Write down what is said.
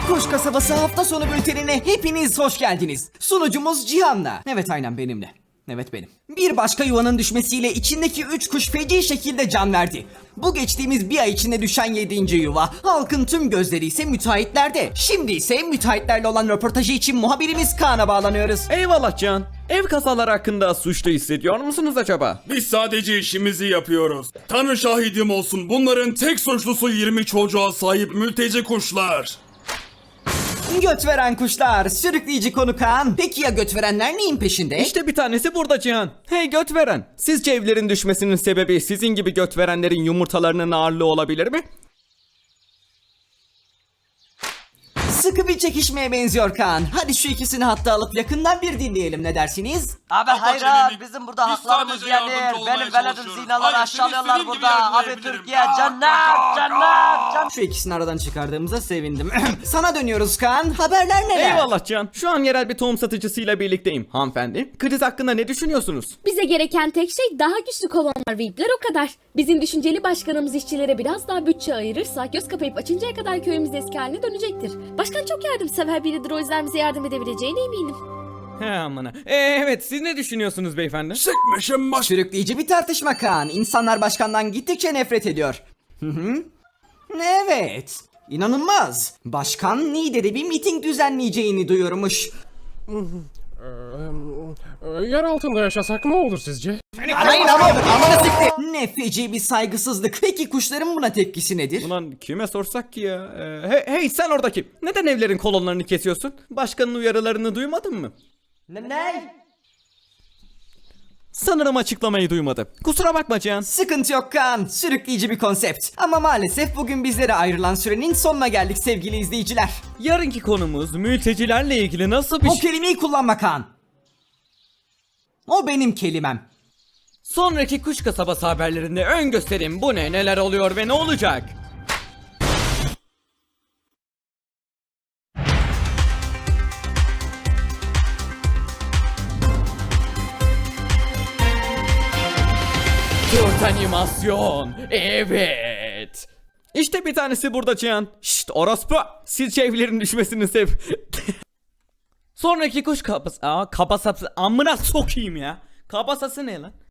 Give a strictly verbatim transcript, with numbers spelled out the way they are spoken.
Kuş Kasabası hafta sonu bültenine hepiniz hoş geldiniz. Sunucumuz Cihan'la. Evet, aynen benimle. Evet, benim. Bir başka yuvanın düşmesiyle içindeki üç kuş feci şekilde can verdi. Bu geçtiğimiz bir ay içinde düşen yedinci yuva. Halkın tüm gözleri ise müteahhitlerde. Şimdi ise müteahhitlerle olan röportajı için muhabirimiz Kaan'a bağlanıyoruz. Eyvallah Can. Ev kazaları hakkında suçlu hissediyor musunuz acaba? Biz sadece işimizi yapıyoruz. Tanrı şahidim olsun, bunların tek suçlusu yirmi çocuğa sahip mülteci kuşlar. Göt veren kuşlar, sürükleyici konu Kaan. Peki ya göt verenler neyin peşinde? İşte bir tanesi burada Cihan. Hey göt veren. Sizce evlerin düşmesinin sebebi sizin gibi göt verenlerin yumurtalarının ağırlığı olabilir mi? Sıkı bir çekişmeye benziyor Kaan. Hadi şu ikisini hatta alıp yakından bir dinleyelim, ne dersiniz? Abi Kapat hayır çeneni. abi, bizim burada Biz haklarımız sadece yenir. yardımcı olmaya Benim veledim çalışıyoruz. zinaları Hayır, seni aşağılıyorlar istediğin gibi burada. Abi yargılayabilirim. Türkiye Bak, cennet bak, cennet cennet. Şu ikisini aradan çıkardığımıza sevindim. Sana dönüyoruz Kaan. Haberler neler? Eyvallah Can. Şu an yerel bir tohum satıcısıyla birlikteyim. Hanımefendi, kriz hakkında ne düşünüyorsunuz? Bize gereken tek şey daha güçlü kolonlar ve ipler, o kadar. Bizim düşünceli başkanımız işçilere biraz daha bütçe ayırırsa göz kapayıp açıncaya kadar köyümüz eski haline dönecektir. Başkan çok yardımsever biridir, o yüzden bize yardım edebileceğine eminim. He amına. Ee, evet siz ne düşünüyorsunuz beyefendi? Sıkmışım baş... Sürükleyici bir tartışma Kaan. İnsanlar başkandan gittikçe nefret ediyor. Hı hı. Evet. İnanılmaz. Başkan Niğde'de bir miting düzenleyeceğini duyurmuş. Yer altında yaşasak ne olur sizce? Hayır ama amına sikti. Ne feci bir saygısızlık. Peki kuşların buna tepkisi nedir? Ulan kime sorsak ki ya? Ee, hey, hey sen oradaki. Neden evlerin kolonlarını kesiyorsun? Başkanın uyarılarını duymadın mı? Ne? ne? Sanırım açıklamayı duymadı. Kusura bakma Cihan. Sıkıntı yok Kaan. Sürükleyici bir konsept. Ama maalesef bugün bizlere ayrılan sürenin sonuna geldik sevgili izleyiciler. Yarınki konumuz mültecilerle ilgili nasıl bir O şey... kelimeyi kullanma Kaan. O benim kelimem. Sonraki Kuş Kasabası haberlerinde ön gösterim bu ne, neler oluyor ve ne olacak? Dört animasyon, evet. İşte bir tanesi burada Cihan. Şşt orospu. Sizce evlerin düşmesinin sebebi... Sonraki kuş kabası... Aa kabasası... Amına sokayım ya. Kabasası ne lan?